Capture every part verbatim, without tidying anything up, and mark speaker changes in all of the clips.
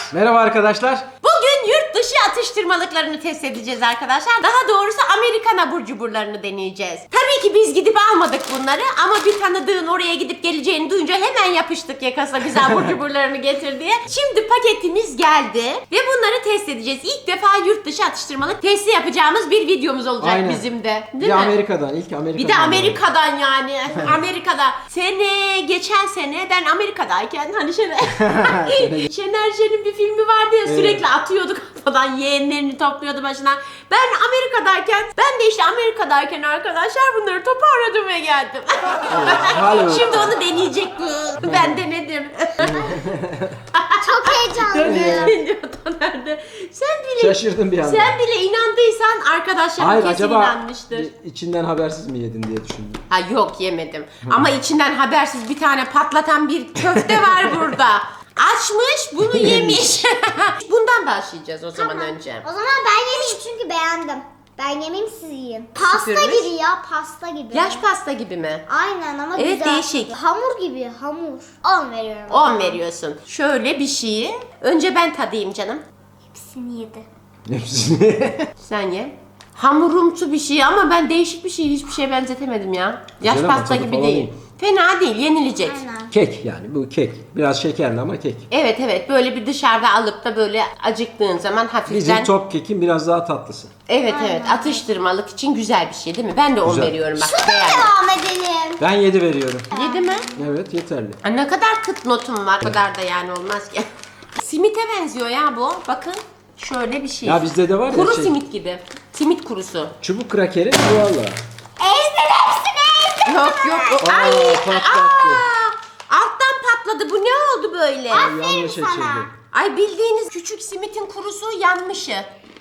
Speaker 1: Merhaba arkadaşlar.
Speaker 2: Bugün yurt dışı atıştırmalıklarını test edeceğiz arkadaşlar. Daha doğrusu Amerikan abur cuburlarını deneyeceğiz. Tabii ki biz gidip almadık bunları ama bir tanıdığın oraya gidip geleceğini duyunca hemen yapıştık yakasına bize abur cuburlarını getir diye. Şimdi paketimiz geldi ve bunları test edeceğiz. İlk defa yurt dışı atıştırmalık testi yapacağımız bir videomuz olacak
Speaker 1: Aynen.
Speaker 2: bizim de. Değil
Speaker 1: bir
Speaker 2: mi?
Speaker 1: Amerika'dan, ilk Amerika'dan.
Speaker 2: Bir de Amerika'dan yani. Amerika'da. Sene, geçen sene ben Amerika'dayken hani Şener, Şener Şen'in bir filmi vardı ya,
Speaker 1: Evet.
Speaker 2: sürekli atıyordu kafadan, yeğenlerini topluyordu başına. Ben Amerika'dayken, ben de işte Amerika'dayken arkadaşlar bunları toparladım ve geldim.
Speaker 1: Hala
Speaker 2: Şimdi onu deneyecek bu. Ben denedim.
Speaker 3: Çok heyecanlıyım.
Speaker 2: Nerede? Sen bile
Speaker 1: Şaşırdım bir anda.
Speaker 2: Sen bile inandıysan arkadaşlarım
Speaker 1: Hayır,
Speaker 2: kesin
Speaker 1: acaba
Speaker 2: inanmıştır.
Speaker 1: içinden habersiz mi yedin diye düşündüm.
Speaker 2: Ha yok, yemedim. Ama içinden habersiz bir tane patlatan bir köfte var burada. Açmış, bunu yemiş. Bundan başlayacağız o zaman önce.
Speaker 3: O zaman ben yemeyeyim çünkü beğendim. Ben yemeyeyim, siz yiyin. Pasta
Speaker 2: Süpürmüş.
Speaker 3: gibi ya, pasta gibi.
Speaker 2: Yaş pasta gibi mi?
Speaker 3: Aynen ama
Speaker 2: Evet,
Speaker 3: güzel.
Speaker 2: değişik.
Speaker 3: Hamur gibi, hamur. on veriyorum.
Speaker 2: on veriyorsun. Şöyle bir şeyi. Önce ben tadayım canım.
Speaker 3: Hepsini yedi.
Speaker 1: Hepsini.
Speaker 2: Sen ye. Hamurumsu bir şey ama ben değişik bir şey, hiçbir şeye benzetemedim ya. Yaş
Speaker 1: Güzel ama
Speaker 2: pasta
Speaker 1: tadı
Speaker 2: gibi
Speaker 1: falan
Speaker 2: değil.
Speaker 1: iyi.
Speaker 2: Fena değil, yenilecek.
Speaker 3: Aynen.
Speaker 1: Kek yani, bu kek. Biraz şekerli ama kek.
Speaker 2: Evet evet, böyle bir dışarıda alıp da böyle acıktığın zaman hafiften.
Speaker 1: Bizim top kekin biraz daha tatlısı.
Speaker 2: Evet evet, atıştırmalık için güzel bir şey değil mi? Ben de on
Speaker 1: Güzel.
Speaker 2: veriyorum bak.
Speaker 3: Şuna
Speaker 2: Beğendim.
Speaker 3: devam edelim.
Speaker 1: Ben yedi veriyorum.
Speaker 2: Yedi mi?
Speaker 1: Evet, yeterli.
Speaker 2: Aa, ne kadar kıt notum var. O kadar da yani olmaz ki. Simite benziyor ya bu. Bakın. Şöyle bir şey.
Speaker 1: Ya bizde de var ya
Speaker 2: Kuru
Speaker 1: şey,
Speaker 2: simit gibi. Simit kurusu.
Speaker 1: çubuk krakeri bu valla.
Speaker 3: Ezdim hepsini ezdim.
Speaker 2: Yok yok. O,
Speaker 1: Aa,
Speaker 2: ay.
Speaker 1: patlattı.
Speaker 2: Aa, alttan patladı. Bu ne oldu böyle?
Speaker 1: Yanlış
Speaker 3: sana.
Speaker 1: açıldı.
Speaker 2: Ay, bildiğiniz küçük simitin kurusu yanmışı.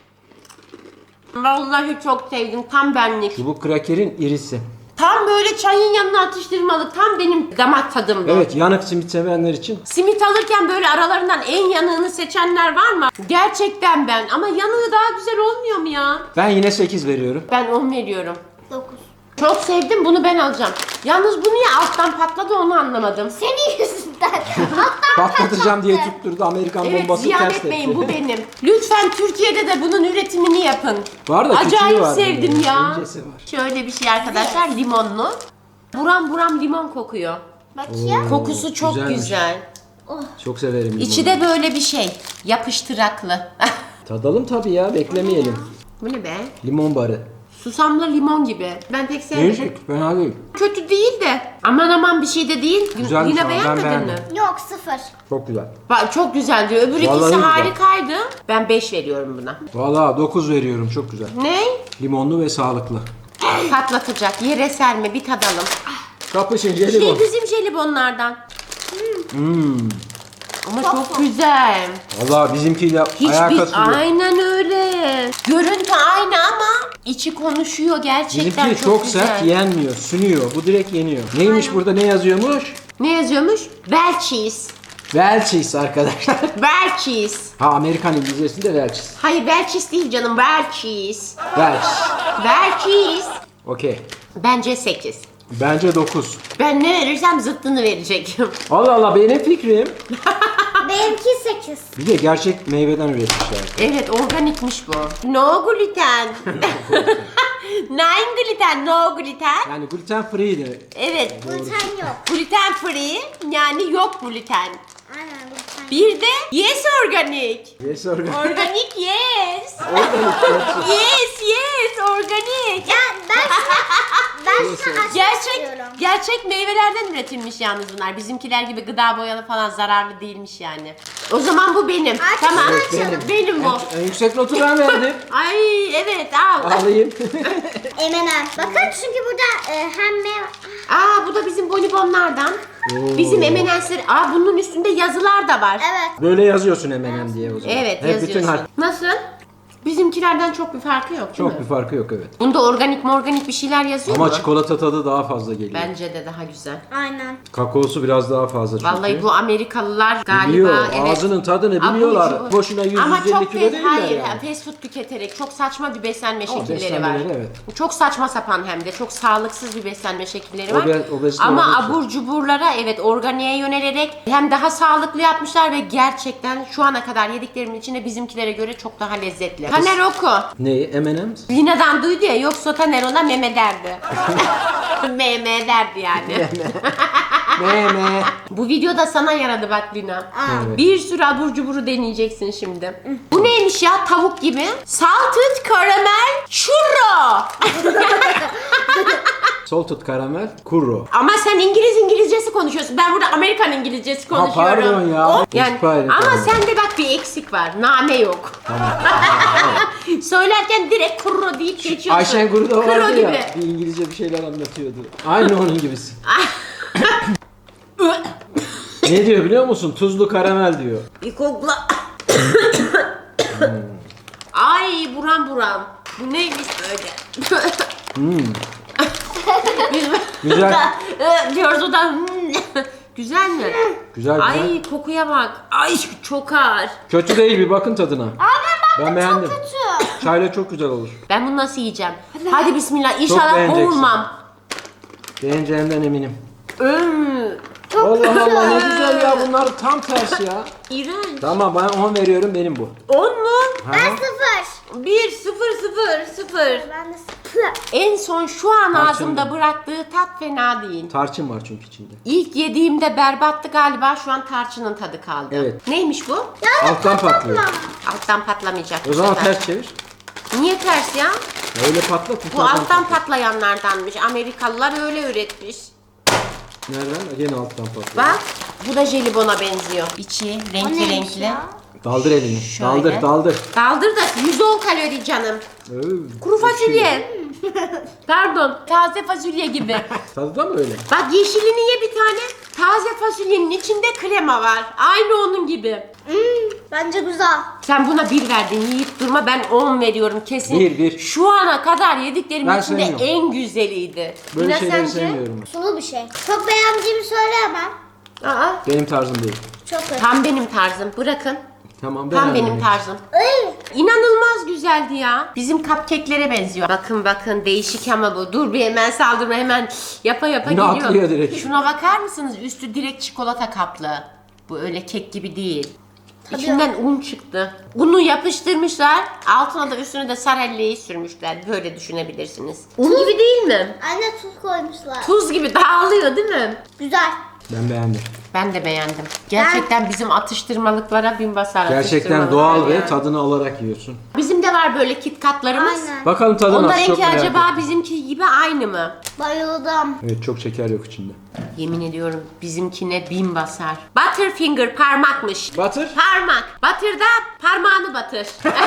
Speaker 2: Vallahi çok sevdim. Tam benlik.
Speaker 1: Çubuk krakerin irisi.
Speaker 2: Tam böyle çayın yanına atıştırmalık. Tam benim damak tadımda.
Speaker 1: Evet, yanık simit sevenler için.
Speaker 2: Simit alırken böyle aralarından en yanığını seçenler var mı? Gerçekten ben. Ama yanığı daha güzel olmuyor mu ya?
Speaker 1: Ben yine sekiz veriyorum.
Speaker 2: Ben on veriyorum.
Speaker 3: dokuz.
Speaker 2: Çok sevdim, bunu ben alacağım. Yalnız bu niye alttan patladı onu anlamadım.
Speaker 3: Senin yüzünden. Alttan
Speaker 1: Patlatacağım diye
Speaker 3: patlattı.
Speaker 1: tutturdu, Amerikan
Speaker 2: Evet,
Speaker 1: bombası
Speaker 2: ziyan
Speaker 1: ters
Speaker 2: etmeyin,
Speaker 1: tepki.
Speaker 2: bu benim. Lütfen Türkiye'de de bunun üretimini yapın.
Speaker 1: Var da küçüğü
Speaker 2: Acayip
Speaker 1: var
Speaker 2: sevdim
Speaker 1: bunun,
Speaker 2: ya.
Speaker 1: incesi var.
Speaker 2: Şöyle bir şey arkadaşlar, limonlu. Buram buram limon kokuyor.
Speaker 3: Bakayım.
Speaker 2: Kokusu çok
Speaker 1: güzelmiş.
Speaker 2: güzel.
Speaker 1: Çok severim limonu.
Speaker 2: İçi de böyle bir şey, yapıştıraklı.
Speaker 1: Tadalım tabii ya, beklemeyelim.
Speaker 2: Bu ne be?
Speaker 1: Limon barı.
Speaker 2: Susamlı limon gibi. Ben pek sevmedim.
Speaker 1: Değişik, fena değil.
Speaker 2: Kötü değil de. Aman aman bir şey de değil.
Speaker 1: Güzelmiş
Speaker 2: Yine
Speaker 1: ama ben
Speaker 2: beğenmedin
Speaker 1: beğendim.
Speaker 2: mi?
Speaker 3: Yok, sıfır.
Speaker 1: Çok güzel.
Speaker 2: Bak, çok güzel diyor. Öbür
Speaker 1: Vallahi
Speaker 2: ikisi
Speaker 1: güzel.
Speaker 2: harikaydı. Ben beş veriyorum buna.
Speaker 1: Valla dokuz veriyorum, çok güzel.
Speaker 2: Ne?
Speaker 1: Limonlu ve sağlıklı.
Speaker 2: Patlatacak. Yere serme, bir tadalım.
Speaker 1: Kapışın
Speaker 2: Şey,
Speaker 1: jelibon.
Speaker 2: bizim jelibonlardan.
Speaker 1: Hmm.
Speaker 2: Ama
Speaker 3: Çok
Speaker 2: çok,
Speaker 3: çok.
Speaker 2: güzel.
Speaker 1: Valla bizimkiyle ayağa
Speaker 2: Hiçbir,
Speaker 1: katılıyor.
Speaker 2: aynen öyle. Görüntü aynı ama içi konuşuyor gerçekten.
Speaker 1: Bizimki
Speaker 2: çok,
Speaker 1: çok
Speaker 2: güzel.
Speaker 1: sert, yenmiyor, sünüyor. Bu direkt yeniyor. Neymiş burada, ne yazıyormuş?
Speaker 2: Ne yazıyormuş? Well cheese.
Speaker 1: Welch's arkadaşlar.
Speaker 2: Well cheese.
Speaker 1: Ha, Amerikan İngilizcesinde Welch's.
Speaker 2: Hayır, well cheese değil canım. Well cheese.
Speaker 1: Welch's.
Speaker 2: Well cheese.
Speaker 1: Okey.
Speaker 2: Bence sekiz.
Speaker 1: Bence dokuz.
Speaker 2: Ben ne verirsem zıttını verecek.
Speaker 1: Allah Allah, benim fikrim.
Speaker 3: Benimki sekiz.
Speaker 1: Bir de gerçek meyveden üretmişler.
Speaker 2: Evet, organikmiş bu. No gluten. Nine gluten, no gluten.
Speaker 1: Yani gluten free de.
Speaker 2: Evet.
Speaker 3: Gluten yok.
Speaker 2: Gluten free, yani yok gluten.
Speaker 3: Aynen, gluten.
Speaker 2: Bir de yes organik.
Speaker 1: Yes, organ.
Speaker 2: Organik yes.
Speaker 1: Organik, gerçek.
Speaker 2: Yes yes organik.
Speaker 3: Ya ben şuna, ben şuna açmak
Speaker 2: Gerçek
Speaker 3: istiyorum.
Speaker 2: gerçek meyvelerden üretilmiş yalnız bunlar. Bizimkiler gibi gıda boyalı falan zararlı değilmiş yani. O zaman bu benim.
Speaker 3: Artık
Speaker 2: Tamam.
Speaker 3: şunu
Speaker 1: Evet,
Speaker 3: açalım.
Speaker 2: Benim bu.
Speaker 1: En yüksek notu ben verdim.
Speaker 2: Ay evet al.
Speaker 1: Alayım.
Speaker 3: M and M. Bakın çünkü burada e, hem meyve...
Speaker 2: Aa, bu da bizim bonibonlardan.
Speaker 1: Oo.
Speaker 2: Bizim M and M's'ler. Aa, bunun üstünde yazılar da var.
Speaker 3: Evet.
Speaker 1: Böyle yazıyorsun M and M diye o zaman.
Speaker 2: Evet
Speaker 1: Hep
Speaker 2: yazıyorsun.
Speaker 1: bütün harf.
Speaker 2: Nasıl? Bizimkilerden çok bir farkı yok değil
Speaker 1: Çok
Speaker 2: mi?
Speaker 1: bir farkı yok evet.
Speaker 2: Bunda organik mi organik bir şeyler yazıyor
Speaker 1: Ama
Speaker 2: mu?
Speaker 1: çikolata tadı daha fazla geliyor.
Speaker 2: Bence de daha güzel.
Speaker 3: Aynen.
Speaker 1: Kakaosu biraz daha fazla çünkü.
Speaker 2: Vallahi bu Amerikalılar galiba
Speaker 1: Biliyor,
Speaker 2: evet.
Speaker 1: ağzının tadını
Speaker 2: Abur
Speaker 1: biliyorlar.
Speaker 2: cubur.
Speaker 1: Boşuna yüz
Speaker 2: Ama
Speaker 1: yüz elli
Speaker 2: çok
Speaker 1: kilo
Speaker 2: fast,
Speaker 1: değiller
Speaker 2: hayır,
Speaker 1: yani.
Speaker 2: fast food tüketerek çok saçma bir beslenme
Speaker 1: Ama
Speaker 2: şekilleri var.
Speaker 1: beslenmeleri, evet.
Speaker 2: Çok saçma sapan hem de çok sağlıksız bir beslenme şekilleri var.
Speaker 1: Obe- obezite
Speaker 2: Ama
Speaker 1: oranı çok.
Speaker 2: abur cuburlara evet organiğe yönelerek hem daha sağlıklı yapmışlar ve gerçekten şu ana kadar yediklerimin içinde bizimkilere göre çok daha lezzetli. Taner oku.
Speaker 1: Neyi? M and M's?
Speaker 2: Lina'dan duydu ya yoksa Taner ona meme derdi. Meme derdi yani.
Speaker 1: Meme.
Speaker 2: Bu video da sana yaradı bak Lina.
Speaker 1: Evet.
Speaker 2: Bir sürü abur cuburu deneyeceksin şimdi. Bu neymiş ya tavuk gibi? Salted caramel churro.
Speaker 1: Salted caramel curro.
Speaker 2: Ama sen İngiliz İngilizcesi konuşuyorsun. Ben burada Amerikan İngilizcesi konuşuyorum.
Speaker 1: pardon ya.
Speaker 2: O- yani,
Speaker 1: İspanya,
Speaker 2: ama
Speaker 1: tamam.
Speaker 2: sende bak bir eksik var. Name yok. Söylerken direkt kurro deyip geçiyorsun.
Speaker 1: Ayşen Guru da
Speaker 2: Kuro
Speaker 1: vardı
Speaker 2: gibi.
Speaker 1: ya. Bir İngilizce bir şeyler anlatıyordu. Aynı onun gibisi. Ne diyor biliyor musun? Tuzlu karamel diyor.
Speaker 2: Bir kokla. Ay buram buram. Bu neymiş böyle?
Speaker 1: Hmm.
Speaker 2: Biz
Speaker 1: Güzel.
Speaker 2: diyoruz o da hmm. Güzel mi?
Speaker 1: Güzel güzel.
Speaker 2: Ay kokuya bak. Ay çok ağır.
Speaker 1: Kötü değil bir bakın tadına.
Speaker 3: Abi ben,
Speaker 1: Ben beğendim.
Speaker 3: kötü.
Speaker 1: Çayla çok güzel olur.
Speaker 2: Ben bunu nasıl yiyeceğim? Hadi bismillah. İnşallah
Speaker 1: beğeneceksin.
Speaker 2: boğulmam.
Speaker 1: Beğeneceğimden eminim.
Speaker 2: Öm.
Speaker 1: Allah Allah ne güzel ya bunlar tam tersi ya.
Speaker 2: İğrenç.
Speaker 1: Tamam ben on veriyorum benim bu.
Speaker 2: On mu?
Speaker 3: Ben
Speaker 1: Ha?
Speaker 3: sıfır.
Speaker 2: Bir, sıfır, sıfır, sıfır.
Speaker 3: Ben de sıfır.
Speaker 2: En son şu an
Speaker 1: Tarçın
Speaker 2: ağzımda
Speaker 1: mı?
Speaker 2: bıraktığı tat fena değil.
Speaker 1: Tarçın var çünkü içinde.
Speaker 2: İlk yediğimde berbattı galiba, şu an tarçının tadı kaldı.
Speaker 1: Evet.
Speaker 2: Neymiş bu?
Speaker 1: Alttan patlıyor.
Speaker 2: Alttan patlamayacak.
Speaker 1: O
Speaker 2: bu
Speaker 1: zaman
Speaker 2: sefer.
Speaker 1: ters çevir.
Speaker 2: Niye ters ya?
Speaker 1: Öyle patlat.
Speaker 2: Bu alttan patlayanlardanmış. Amerikalılar öyle üretmiş.
Speaker 1: Nereden? Gene alttan patlıyor.
Speaker 2: Bak, bu da jelibona benziyor. İçi
Speaker 3: O
Speaker 2: renkli
Speaker 3: neymiş
Speaker 2: renkli.
Speaker 3: ya?
Speaker 1: Daldır elini.
Speaker 2: Şöyle.
Speaker 1: Daldır daldır.
Speaker 2: Kaldır da yüz on kalori canım.
Speaker 1: Öv,
Speaker 2: Kuru
Speaker 1: ekşi.
Speaker 2: fasulye. Pardon, taze fasulye gibi.
Speaker 1: Tadı da mı öyle?
Speaker 2: Bak yeşilini ye bir tane. Taze fasulyenin içinde krema var. Aynı onun gibi.
Speaker 3: Hmm, bence güzel.
Speaker 2: Sen buna bir verdin, yiyip durma, ben on veriyorum kesin.
Speaker 1: Bir, bir.
Speaker 2: Şu ana kadar yediklerimin
Speaker 1: Ben
Speaker 2: içinde
Speaker 1: sevmiyorum.
Speaker 2: en güzeliydi.
Speaker 1: Böyle
Speaker 2: Yine
Speaker 1: şeyleri
Speaker 2: sence?
Speaker 1: sevmiyorum.
Speaker 3: Sulu bir şey. Çok beğendiğimi söyleyemem.
Speaker 2: Aa,
Speaker 1: Benim tarzım değil.
Speaker 3: Çok kötü.
Speaker 2: tam benim tarzım. Bırakın.
Speaker 1: Tamam
Speaker 2: Tam
Speaker 1: beğenmedim.
Speaker 2: benim tarzım.
Speaker 3: Ay,
Speaker 2: İnanılmaz güzeldi ya. Bizim cupcake'lere benziyor. Bakın bakın değişik ama bu. Dur bir hemen saldırma, hemen yapa yapa
Speaker 1: Ne
Speaker 2: geliyor.
Speaker 1: atlıyor direkt?
Speaker 2: Şuna bakar mısınız? Üstü direkt çikolata kaplı. Bu öyle kek gibi değil. İçinden un çıktı. Unu yapıştırmışlar. Altına da üstüne de sarelleyi sürmüşler. Böyle düşünebilirsiniz. Un gibi değil mi?
Speaker 3: anne tuz koymuşlar.
Speaker 2: Tuz gibi dağılıyor değil mi?
Speaker 3: Güzel.
Speaker 1: Ben beğendim.
Speaker 2: Ben de beğendim. Gerçekten bizim atıştırmalıklara bin basar.
Speaker 1: Gerçekten
Speaker 2: atıştırmalıklar
Speaker 1: doğal ve
Speaker 2: yani.
Speaker 1: tadını alarak yiyorsun.
Speaker 2: Bizim de var böyle KitKatlarımız.
Speaker 3: Aynen.
Speaker 1: Bakalım tadı nasıl, çok
Speaker 2: Onlarınki
Speaker 1: merak
Speaker 2: acaba
Speaker 1: ettim.
Speaker 2: bizimki gibi aynı mı?
Speaker 3: Bayıldım.
Speaker 1: Evet çok şeker yok içinde.
Speaker 2: Yemin ediyorum bizimkine bin basar. Butterfinger parmakmış.
Speaker 1: Batır.
Speaker 2: Parmak. Batır da parmağını batır.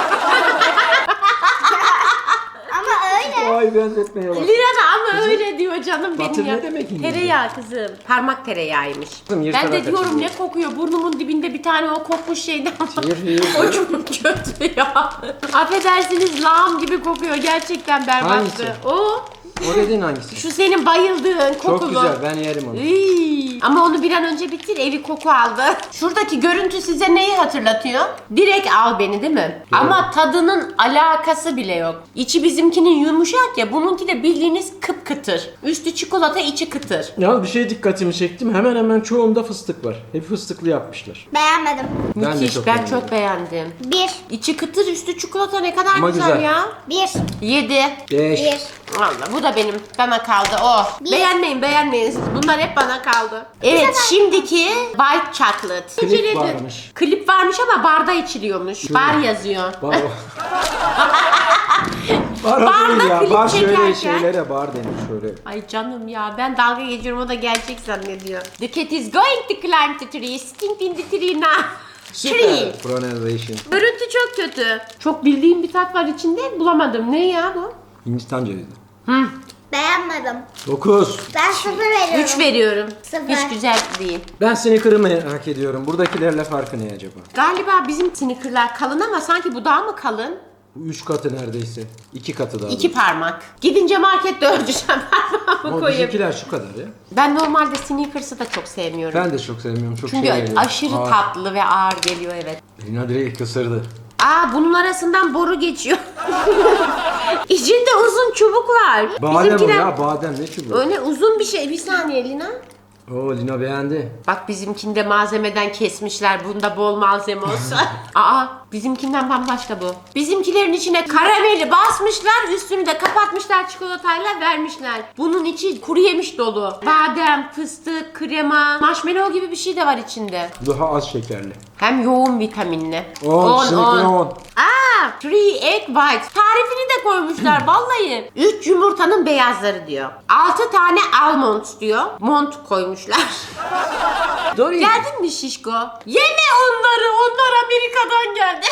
Speaker 3: Ama öyle.
Speaker 1: Ay benzetmeye bak.
Speaker 2: Lira da ama öyle diyor canım benim
Speaker 1: Batır
Speaker 2: ya.
Speaker 1: ne demek İngilizce?
Speaker 2: Tereyağı kızım. Parmak tereyağıymış.
Speaker 1: Kızım,
Speaker 2: Ben
Speaker 1: yırtarak
Speaker 2: de diyorum
Speaker 1: açılıyor.
Speaker 2: ne kokuyor, burnumun dibinde bir tane o kokmuş şeyden var.
Speaker 1: Yır, yır,
Speaker 2: O
Speaker 1: yır.
Speaker 2: çok kötü ya. Affedersiniz lağım gibi kokuyor, gerçekten berbattı.
Speaker 1: Hangisi?
Speaker 2: O
Speaker 1: O dediğin hangisi?
Speaker 2: şu senin bayıldığın kokulu.
Speaker 1: Çok güzel ben yerim onu.
Speaker 2: Iy, ama onu bir an önce bitir, evi koku aldı. Şuradaki görüntü size neyi hatırlatıyor? Direkt al beni değil mi? Ama tadının alakası bile yok. İçi bizimkinin yumuşak ya, bununki de bildiğiniz kıpkıtır. Üstü çikolata, içi kıtır.
Speaker 1: Yalnız bir şey dikkatimi çektim. Hemen hemen çoğunda fıstık var. Hep fıstıklı yapmışlar.
Speaker 3: Beğenmedim.
Speaker 1: Ben de
Speaker 2: Müthiş,
Speaker 1: çok
Speaker 2: ben
Speaker 1: beğendim.
Speaker 2: çok beğendim.
Speaker 3: Bir.
Speaker 2: İçi kıtır, üstü çikolata, ne kadar
Speaker 1: Ama
Speaker 2: güzel,
Speaker 1: güzel.
Speaker 2: ya.
Speaker 3: Bir.
Speaker 2: Yedi.
Speaker 1: Beş.
Speaker 3: Bir.
Speaker 2: Vallahi bu da benim, bana kaldı. Oh.
Speaker 3: Bir.
Speaker 2: Beğenmeyin, beğenmeyin siz. Bunlar hep bana kaldı. Evet, şimdiki white chocolate.
Speaker 1: Klip
Speaker 2: İçiledi.
Speaker 1: varmış.
Speaker 2: Klip varmış ama barda içiliyormuş. Bar yazıyor.
Speaker 1: Bar o. Bar o
Speaker 2: Barda
Speaker 1: değil ya.
Speaker 2: klip
Speaker 1: Bar şöyle
Speaker 2: çekerken-
Speaker 1: şeylere bar denir şöyle.
Speaker 2: Ay canım ya, ben dalga geçiyorum, o da gerçek zannediyor. The cat is going to climb the tree. Sting in the tree now. Tree.
Speaker 1: Pronunciation.
Speaker 2: Görüntü çok kötü. Çok bildiğim bir tat var içinde, bulamadım. Ne ya bu?
Speaker 1: Hindistan cevizi.
Speaker 2: Hı.
Speaker 3: Beğenmedim.
Speaker 1: Dokuz.
Speaker 3: Ben sıfır veriyorum.
Speaker 2: Üç veriyorum.
Speaker 3: Sıfır.
Speaker 2: Hiç güzel değil.
Speaker 1: Ben Snicker'ı merak ediyorum. Buradakilerle farkı ne acaba?
Speaker 2: Galiba bizim sneakerlar kalın ama sanki bu daha mı kalın?
Speaker 1: Üç katı neredeyse. İki katı daha.
Speaker 2: İki parmak. Gidince markette ölçeceğim parmağımı
Speaker 1: Ama
Speaker 2: koyayım.
Speaker 1: bizimkiler şu kadar ya.
Speaker 2: Ben normalde Snickers'ı da çok sevmiyorum.
Speaker 1: Ben de çok sevmiyorum. Çok
Speaker 2: Çünkü
Speaker 1: şey geliyor.
Speaker 2: aşırı
Speaker 1: Ağır.
Speaker 2: tatlı ve ağır geliyor, evet.
Speaker 1: Lina direkt ısırdı.
Speaker 2: Aa, bunun arasından boru geçiyor. İçinde uzun çubuk var.
Speaker 1: Badem o
Speaker 2: Bizimkiler-
Speaker 1: ya, badem ne çubuğu?
Speaker 2: Öyle uzun bir şey. Bir saniye Lina.
Speaker 1: Oo, Lina beğendi.
Speaker 2: Bak, bizimkinde malzemeden kesmişler. Bunda bol malzeme olsa. Aa, bizimkinden bambaşka bu. Bizimkilerin içine karameli basmışlar. Üstünü de kapatmışlar, çikolatayla vermişler. Bunun içi kuru yemiş dolu. Badem, fıstık, krema, marshmallow gibi bir şey de var içinde.
Speaker 1: Daha az şekerli.
Speaker 2: Hem yoğun vitaminli.
Speaker 1: On, sınıfına on.
Speaker 2: Aa, three egg whites. Tarifini de koymuşlar vallahi. Üç yumurtanın beyazları diyor. Altı tane almond diyor. Mont koymuşlar.
Speaker 1: Doğru.
Speaker 2: Geldin mi şişko? Yeme onları. Onlar Amerika'dan geldi.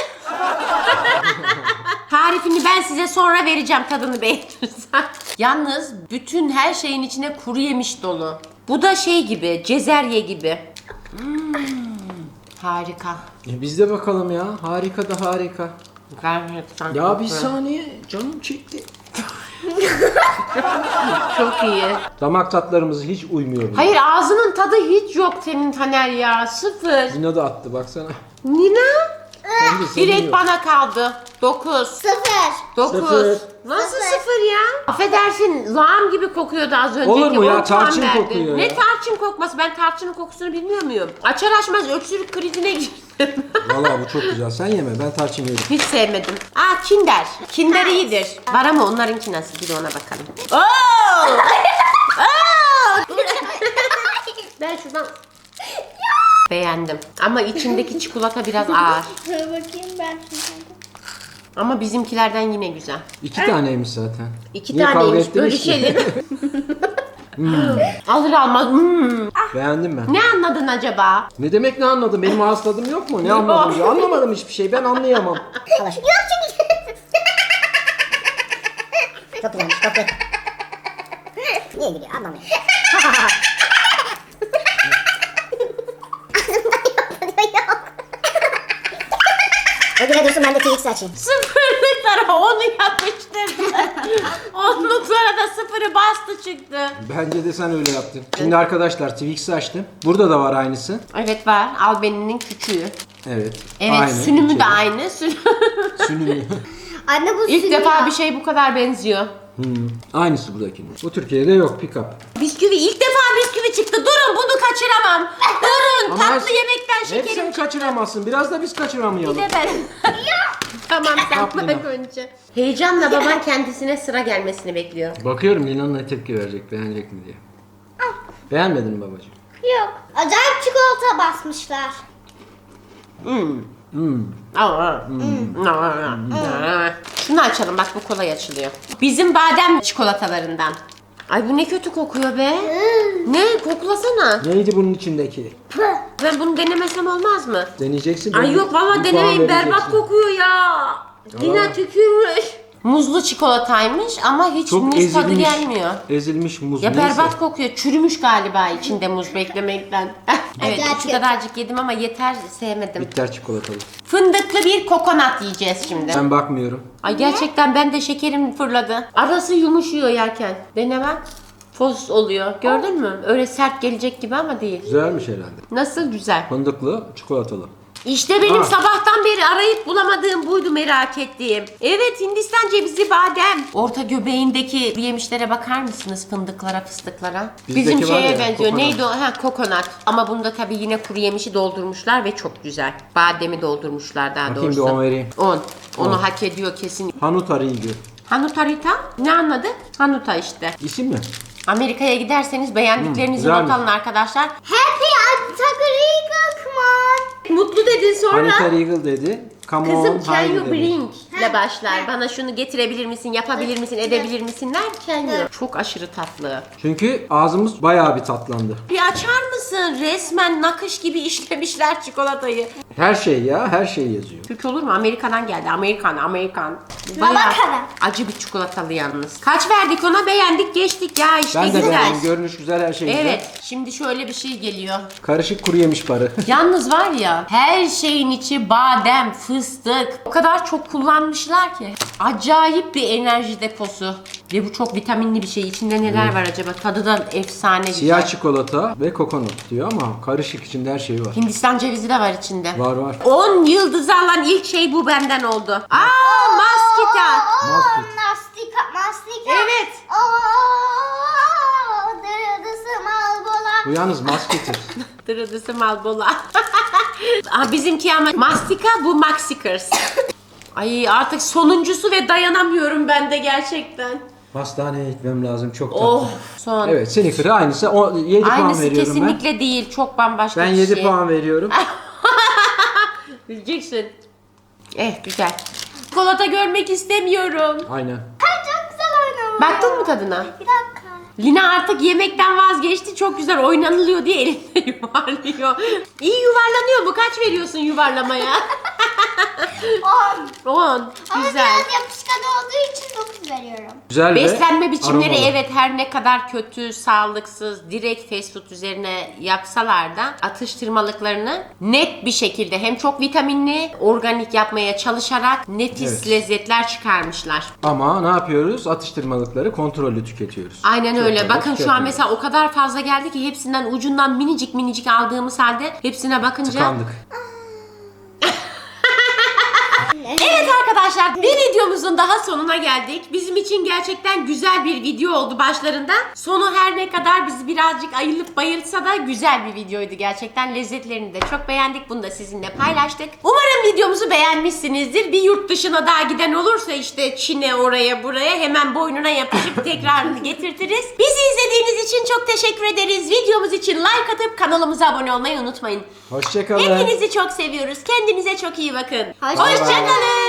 Speaker 2: Tarifini ben size sonra vereceğim, tadını beğenirsen. Yalnız bütün her şeyin içine kuru yemiş dolu. Bu da şey gibi, cezerye gibi. Hmm, harika.
Speaker 1: E biz de bakalım ya. Harika da harika.
Speaker 2: Gerçekten
Speaker 1: Ya
Speaker 2: çok
Speaker 1: bir
Speaker 2: güzel.
Speaker 1: saniye. Canım çekti.
Speaker 2: Çok iyi.
Speaker 1: Damak tatlarımız hiç uymuyor.
Speaker 2: Hayır, ağzının tadı hiç yok senin Taner ya. Sıfır.
Speaker 1: Lina da attı baksana.
Speaker 2: Nina?
Speaker 1: Bence senin
Speaker 2: Direkt
Speaker 1: yok.
Speaker 2: bana kaldı. Dokuz.
Speaker 3: Sıfır.
Speaker 2: Dokuz.
Speaker 1: Sıfır.
Speaker 2: Nasıl
Speaker 3: Sıfır.
Speaker 2: sıfır ya? Affedersin, lağım gibi kokuyordu az önceki.
Speaker 1: Olur mu ya?
Speaker 2: on puan
Speaker 1: Tarçın
Speaker 2: verdi.
Speaker 1: kokuyor
Speaker 2: Ne
Speaker 1: ya.
Speaker 2: tarçın kokması? Ben tarçının kokusunu bilmiyor muyum? Açar açmaz öksürük krizine girdim.
Speaker 1: Valla bu çok güzel. Sen yeme, ben tarçın yerim.
Speaker 2: Hiç sevmedim. Aa, Kinder. Kinder iyidir. Var ama onlarınki nasıl? Bir de ona bakalım. Oo! Oo! Ben şuradan... Beğendim. Ama içindeki çikolata biraz ağır.
Speaker 3: Dur bakayım ben şimdi.
Speaker 2: Ama bizimkilerden yine güzel.
Speaker 1: İki taneymiş zaten.
Speaker 2: İki
Speaker 1: Niye kavga
Speaker 2: taneymiş,
Speaker 1: ettiniz ki?
Speaker 2: bölüşelim. Alır almaz. Hmm.
Speaker 1: Beğendim ben.
Speaker 2: Ne anladın acaba?
Speaker 1: Ne demek ne anladım? Benim ağız tadım yok mu? Ne anladım diyor. Anlamadım hiçbir şey. Ben anlayamam.
Speaker 3: Yok çünkü. Çok güzelmiş, çok güzel. Niye gidiyor anlamıyorum. O güne dursun, ben de T X açayım.
Speaker 2: Sıfırlıklara onu yapıştırdı. Onluklara da sıfırı bastı çıktı.
Speaker 1: Bence de sen öyle yaptın. Şimdi arkadaşlar Twix'i açtım. Burada da var aynısı.
Speaker 2: Evet, var. Albeninin küçüğü.
Speaker 1: Evet.
Speaker 2: Evet,
Speaker 1: aynı.
Speaker 2: sünümü de
Speaker 1: İçeri.
Speaker 2: aynı. Sün-
Speaker 1: Sünümü.
Speaker 3: Anne bu
Speaker 2: İlk
Speaker 3: sünüyor.
Speaker 2: defa bir şey bu kadar benziyor.
Speaker 1: Hmm. Aynısı buradakinin. Bu Türkiye'de yok pick up.
Speaker 2: Bisküvi, ilk defa bisküvi çıktı. Durun, bunu kaçıramam. Durun,
Speaker 1: Ama
Speaker 2: tatlı
Speaker 1: her-
Speaker 2: yemekten
Speaker 1: Hep
Speaker 2: şekerim.
Speaker 1: sen kaçıramazsın. Biraz da biz
Speaker 2: Bir
Speaker 1: kaçıramayalım.
Speaker 2: de ben. Tamam, sen
Speaker 1: Yap
Speaker 2: bak
Speaker 1: Lina.
Speaker 2: önce. Heyecanla baban kendisine sıra gelmesini bekliyor.
Speaker 1: Bakıyorum Lina'nın ne tepki verecek, beğenecek mi diye. Beğenmedin mi babacığım?
Speaker 3: Yok. Acayip çikolata basmışlar.
Speaker 2: Hmm.
Speaker 1: Hmm.
Speaker 2: Aa, hmm. Aa. Şunu açalım, bak bu kolay açılıyor. Bizim badem çikolatalarından. Ay, bu ne kötü kokuyor be. Ne? Koklasana.
Speaker 1: Neydi bunun içindeki?
Speaker 2: Ben bunu denemesem olmaz mı?
Speaker 1: Deneyeceksin.
Speaker 2: Ay
Speaker 1: bir-
Speaker 2: yok valla
Speaker 1: bir puan
Speaker 2: denemeyin, berbat
Speaker 1: vereceksin.
Speaker 2: kokuyor ya. Yine tükürmüş. Muzlu çikolataymış ama hiç
Speaker 1: Çok
Speaker 2: muz tadı
Speaker 1: ezilmiş.
Speaker 2: gelmiyor.
Speaker 1: Ezilmiş muz.
Speaker 2: Ya
Speaker 1: neyse.
Speaker 2: berbat kokuyor. Çürümüş galiba içinde muz beklemekten. Evet,
Speaker 3: Acayip
Speaker 2: şu
Speaker 3: kötü.
Speaker 2: kadarcık yedim ama yeter, sevmedim.
Speaker 1: Bitter çikolatalı.
Speaker 2: Fındıklı bir kokonat yiyeceğiz şimdi.
Speaker 1: Ben bakmıyorum.
Speaker 2: Ay gerçekten ben de şekerim fırladı. Arası yumuşuyor yerken. Dene bak. Fos oluyor. Gördün mü? Öyle sert gelecek gibi ama değil.
Speaker 1: Güzelmiş herhalde.
Speaker 2: Nasıl güzel.
Speaker 1: Fındıklı, çikolatalı.
Speaker 2: İşte benim
Speaker 1: Ha.
Speaker 2: sabahtan beri arayıp bulamadığım buydu, merak ettiğim. Evet, Hindistan cevizi badem. Orta göbeğindeki yemişlere bakar mısınız? Fındıklara, fıstıklara.
Speaker 1: Bizdeki
Speaker 2: Bizim
Speaker 1: var
Speaker 2: şeye
Speaker 1: ya,
Speaker 2: benziyor.
Speaker 1: kokonat.
Speaker 2: Neydi o? Ha, kokonat. Ama bunda tabii yine kuru yemişi doldurmuşlar ve çok güzel. Bademi doldurmuşlar daha
Speaker 1: Bakayım bir
Speaker 2: doğrusu.
Speaker 1: on vereyim.
Speaker 2: on. Onu
Speaker 1: On.
Speaker 2: hak ediyor kesin.
Speaker 1: Hanuta Regal.
Speaker 2: Hanuta Rita? Ne anladı? Hanuta işte.
Speaker 1: İsim mi?
Speaker 2: Amerika'ya giderseniz beğendiklerinizi
Speaker 1: Hmm,
Speaker 2: not
Speaker 1: güzelmiş.
Speaker 2: alın arkadaşlar.
Speaker 3: Happy Antagory Kalkman.
Speaker 2: Mutlu dedin sonra.
Speaker 1: Hanuta Regal dedi. Come on,
Speaker 2: Kızım, can
Speaker 1: haydi
Speaker 2: you
Speaker 1: dedi.
Speaker 2: bring ile başlar. Bana şunu getirebilir misin, yapabilir misin, edebilir misin derken yok. Çok aşırı tatlı.
Speaker 1: Çünkü ağzımız bayağı bir tatlandı.
Speaker 2: Bir açar mısın? Resmen nakış gibi işlemişler çikolatayı.
Speaker 1: Her şey ya, her şey yazıyor.
Speaker 2: Türk olur mu? Amerika'dan geldi. Amerikan, Amerikan.
Speaker 3: Bakalım.
Speaker 2: acı bir çikolatalı yalnız. Kaç verdik ona? Beğendik, geçtik ya işte
Speaker 1: Ben de
Speaker 2: güzel.
Speaker 1: beğendim. Görünüş güzel, her şey güzel.
Speaker 2: Evet. Şimdi şöyle bir şey geliyor.
Speaker 1: Karışık kuru yemiş barı.
Speaker 2: Yalnız var ya, her şeyin içi badem, fıstık. O kadar çok kullanmış çıkarmışlar ki. Acayip bir enerji deposu. Ve bu çok vitaminli bir şey. İçinde neler var acaba? Tadı da efsane güzel.
Speaker 1: Siyah çikolata ve kokonut diyor ama karışık, içinde her şey var.
Speaker 2: Hindistan cevizi de var içinde.
Speaker 1: Var var.
Speaker 2: on yıldız alan ilk şey bu benden oldu. Aa, maskita.
Speaker 1: Maskit.
Speaker 3: Mastika, mastika.
Speaker 2: Evet.
Speaker 3: Oo, dırıdısı malbola.
Speaker 1: Bu yalnız masketir.
Speaker 2: Dırıdısı malbola. Aa, bizimki ama mastika, bu maxikers. Ay artık sonuncusu ve dayanamıyorum ben de gerçekten.
Speaker 1: Hastaneye gitmem lazım, çok tatlı.
Speaker 2: Oh son.
Speaker 1: Evet, Snicker'a aynısı. O, yedi puan
Speaker 2: Aynısı
Speaker 1: veriyorum
Speaker 2: kesinlikle değil. Çok bambaşka
Speaker 1: ben. Ben
Speaker 2: bir
Speaker 1: yedi
Speaker 2: şey.
Speaker 1: puan veriyorum.
Speaker 2: Bileceksin. Eh güzel. Çikolata görmek istemiyorum.
Speaker 1: Aynen.
Speaker 3: Ay, çok güzel oynamış.
Speaker 2: Baktın mı tadına?
Speaker 3: Bir dakika.
Speaker 2: Lina artık yemekten vazgeçti. Çok güzel oynanılıyor diye elinde yuvarlıyor. İyi yuvarlanıyor mu? Kaç veriyorsun yuvarlamaya?
Speaker 3: On.
Speaker 2: on.
Speaker 3: Ama
Speaker 2: Güzel.
Speaker 3: biraz yapışkan olduğu için dokuz veriyorum.
Speaker 1: Güzel
Speaker 2: Beslenme
Speaker 1: ve
Speaker 2: biçimleri
Speaker 1: aromalı.
Speaker 2: evet her ne kadar kötü, sağlıksız, direkt fast food üzerine yapsalar da atıştırmalıklarını net bir şekilde hem çok vitaminli, organik yapmaya çalışarak nefis
Speaker 1: Evet.
Speaker 2: lezzetler çıkarmışlar.
Speaker 1: Ama ne yapıyoruz? Atıştırmalıkları kontrollü tüketiyoruz.
Speaker 2: Aynen
Speaker 1: Çok
Speaker 2: öyle.
Speaker 1: fazla
Speaker 2: Bakın şu an
Speaker 1: tüketmiyoruz.
Speaker 2: mesela o kadar fazla geldi ki hepsinden ucundan minicik minicik aldığımız halde hepsine bakınca...
Speaker 1: Tıkandık.
Speaker 2: Evet arkadaşlar, bir videomuzun daha sonuna geldik. Bizim için gerçekten güzel bir video oldu başlarında. Sonu her ne kadar bizi birazcık ayılıp bayılsa da güzel bir videoydu gerçekten. Lezzetlerini de çok beğendik. Bunu da sizinle paylaştık. Umarım videomuzu beğenmişsinizdir. Bir yurt dışına daha giden olursa işte Çin'e, oraya buraya hemen boynuna yapışıp tekrarını getirtiriz. Bizi izlediğiniz için çok teşekkür ederiz. Videomuz için like atıp kanalımıza abone olmayı unutmayın.
Speaker 1: Hoşçakalın.
Speaker 2: Hepinizi çok seviyoruz. Kendinize çok iyi bakın.
Speaker 3: Hoşça
Speaker 2: Hoşçakalın.